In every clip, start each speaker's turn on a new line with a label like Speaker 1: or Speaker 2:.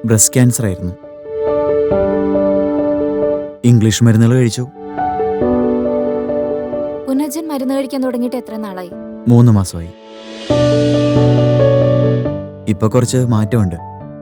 Speaker 1: Breast cancer ആയിരുന്നു. English മരുന്നുകൾ കഴിച്ചു.
Speaker 2: പുനർജൻ മരുന്ന് കഴിക്കാൻ തുടങ്ങിയിട്ട് എത്ര നാളായി?
Speaker 1: 3 മാസമായി. ഇപ്പൊ കുറച്ച് മാറ്റമുണ്ട്.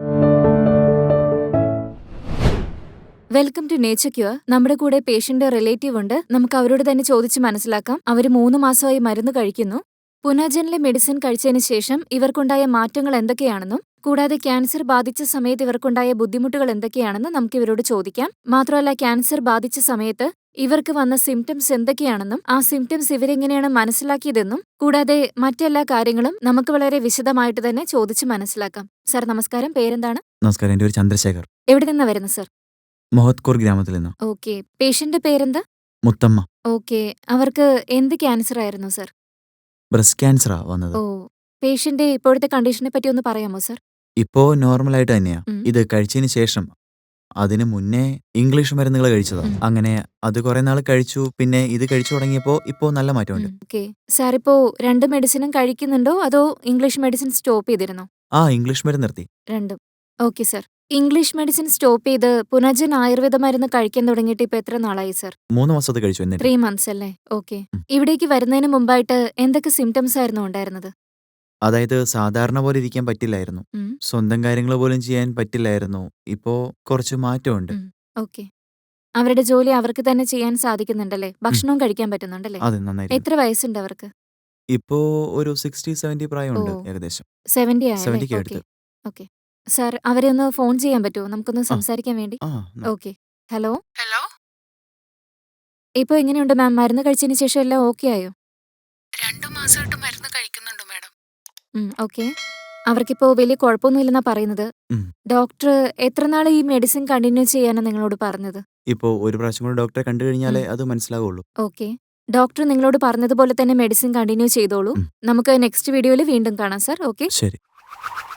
Speaker 2: Welcome to nature cure. നമ്മുടെ കൂടെ പേഷ്യന്റ് റിലേറ്റീവ് ഉണ്ട്. നമുക്ക് അവരോട് തന്നെ ചോദിച്ച് മനസ്സിലാക്കാം. അവർ 3 മാസമായി മരുന്ന് കഴിക്കുന്നു. പുനർജനിലെ മെഡിസിൻ കഴിച്ചതിന് ശേഷം ഇവർക്കുണ്ടായ മാറ്റങ്ങൾ എന്തൊക്കെയാണെന്നും കൂടാതെ ക്യാൻസർ ബാധിച്ച സമയത്ത് ഇവർക്കുണ്ടായ ബുദ്ധിമുട്ടുകൾ എന്തൊക്കെയാണെന്നും നമുക്ക് ഇവരോട് ചോദിക്കാം. മാത്രമല്ല, ക്യാൻസർ ബാധിച്ച സമയത്ത് ഇവർക്ക് വന്ന സിംറ്റംസ് എന്തൊക്കെയാണെന്നും ആ സിംറ്റംസ് ഇവരെങ്ങനെയാണ് മനസ്സിലാക്കിയതെന്നും കൂടാതെ മറ്റെല്ലാ കാര്യങ്ങളും നമുക്ക് വളരെ വിശദമായിട്ട് തന്നെ ചോദിച്ച് മനസ്സിലാക്കാം. സർ നമസ്കാരം, പേരെന്താണ്?
Speaker 1: നമസ്കാരം, എൻ്റെ പേര് ചന്ദ്രശേഖർ.
Speaker 2: എവിടെ നിന്നാ വരുന്നത് സർ?
Speaker 1: മൊഹത്കൂർ ഗ്രാമത്തിൽ നിന്ന്.
Speaker 2: ഓക്കെ. പേഷ്യന്റ് പേരെന്താ?
Speaker 1: മുത്തമ്മ.
Speaker 2: ഓക്കെ. അവർക്ക് എന്ത് ക്യാൻസർ ആയിരുന്നു സർ?
Speaker 1: ബ്രസ്റ്റ് ക്യാൻസറാ വന്നത്.
Speaker 2: ഓ. പേഷ്യന്റെ ഇപ്പോഴത്തെ കണ്ടീഷനെ പറ്റി ഒന്ന് പറയാമോ സർ?
Speaker 1: ഇപ്പോ നോർമലായിട്ട് തന്നെയാ.
Speaker 2: ഉം.
Speaker 1: ഇത് കഴിച്ചതിന് ശേഷം അതിന് മുന്നേ ഇംഗ്ലീഷ് മരുന്നുകൾ കഴിച്ചതാ. അങ്ങനെ അത് കുറെ നാൾ കഴിച്ചു. പിന്നെ ഇത് കഴിച്ചു തുടങ്ങിയപ്പോ ഇപ്പോ നല്ല മാറ്റമുണ്ട്.
Speaker 2: ഓക്കെ. സാർ ഇപ്പോ 2 മെഡിസിനും കഴിക്കുന്നുണ്ടോ അതോ ഇംഗ്ലീഷ് മെഡിസിൻ സ്റ്റോപ്പ് ചെയ്തിരുന്നോ?
Speaker 1: ഇംഗ്ലീഷ് മരുന്ന് നിർത്തി.
Speaker 2: രണ്ടും. Okay sir. English medicine stop ചെയ്ത് പുനർജൻ ആയുർവേദ മരുന്ന് കഴിക്കാൻ തുടങ്ങിയിട്ട് ഇപ്പൊ എത്ര നാളായി സർ?
Speaker 1: 3 മാസത്തെ കഴിച്ചു. എന്നിട്ട്
Speaker 2: 3 മന്ത്സ് അല്ലേ? ഓക്കെ.
Speaker 1: ഉം.
Speaker 2: ഇവിടേക്ക് വരുന്നതിന് മുമ്പായിട്ട് എന്തൊക്കെ സിംറ്റംസ് ആയിരുന്നു ഉണ്ടായിരുന്നത്?
Speaker 1: അതായത് സാധാരണ പോലെ ഇരിക്കാൻ പറ്റില്ലായിരുന്നു.
Speaker 2: ഉം.
Speaker 1: സ്വന്തം കാര്യങ്ങൾ പോലും ചെയ്യാൻ പറ്റില്ലായിരുന്നു. ഇപ്പോ കുറച്ച് മാറ്റമുണ്ട്.
Speaker 2: ഓക്കെ. അവരുടെ ജോലി അവർക്ക് തന്നെ ചെയ്യാൻ സാധിക്കുന്നുണ്ടല്ലേ? ഭക്ഷണവും കഴിക്കാൻ പറ്റുന്നുണ്ടല്ലേ?
Speaker 1: അതെ, നന്നായിരിക്കും.
Speaker 2: എത്ര വയസ്സുണ്ട് അവർക്ക്?
Speaker 1: ഇപ്പോ ഒരു 60-70 പ്രായമുണ്ട്
Speaker 2: ഓ.
Speaker 1: ഏകദേശം.
Speaker 2: 70 ആയല്ലേ?
Speaker 1: 70ക്ക്
Speaker 2: ഓക്കെ.
Speaker 1: അടുത്ത്.
Speaker 2: ഓക്കെ. സാർ അവരെ ഒന്ന് ഫോൺ ചെയ്യാൻ പറ്റുമോ? നമുക്കൊന്ന് സംസാരിക്കാൻ വേണ്ടി.
Speaker 1: ആ,
Speaker 2: ഓക്കെ. ഹലോ.
Speaker 3: ഹലോ.
Speaker 2: ഇപ്പൊ എങ്ങനെയുണ്ട് മാം? മരുന്ന് കഴിച്ചതിന് ശേഷം എല്ലാം ഓക്കെ ആയോ?
Speaker 3: 2 മാസമായിട്ട് മരുന്ന് കഴിക്കുന്നുണ്ട് മാഡം.
Speaker 2: ഓക്കെ. അവർക്കിപ്പോ വലിയ കുഴപ്പമൊന്നുമില്ലെന്നാ പറയുന്നത്.
Speaker 1: ഉം.
Speaker 2: ഡോക്ടർ എത്ര നാൾ ഈ മെഡിസിൻ കണ്ടിന്യൂ ചെയ്യാനാ നിങ്ങളോട് പറഞ്ഞത്?
Speaker 1: ഇപ്പോ ഒരു പ്രാവശ്യം കൂടി ഡോക്ടറെ കണ്ടു കഴിഞ്ഞാലേ അത് മനസ്സിലാവുള്ളൂ.
Speaker 2: ഓക്കെ. ഡോക്ടർ നിങ്ങളോട് പറഞ്ഞതുപോലെ തന്നെ മെഡിസിൻ കണ്ടിന്യൂ ചെയ്തോളൂ.
Speaker 1: ഉം.
Speaker 2: നമുക്ക് നെക്സ്റ്റ് വീഡിയോയിൽ വീണ്ടും കാണാം സർ. ഓക്കെ.
Speaker 1: ശരി.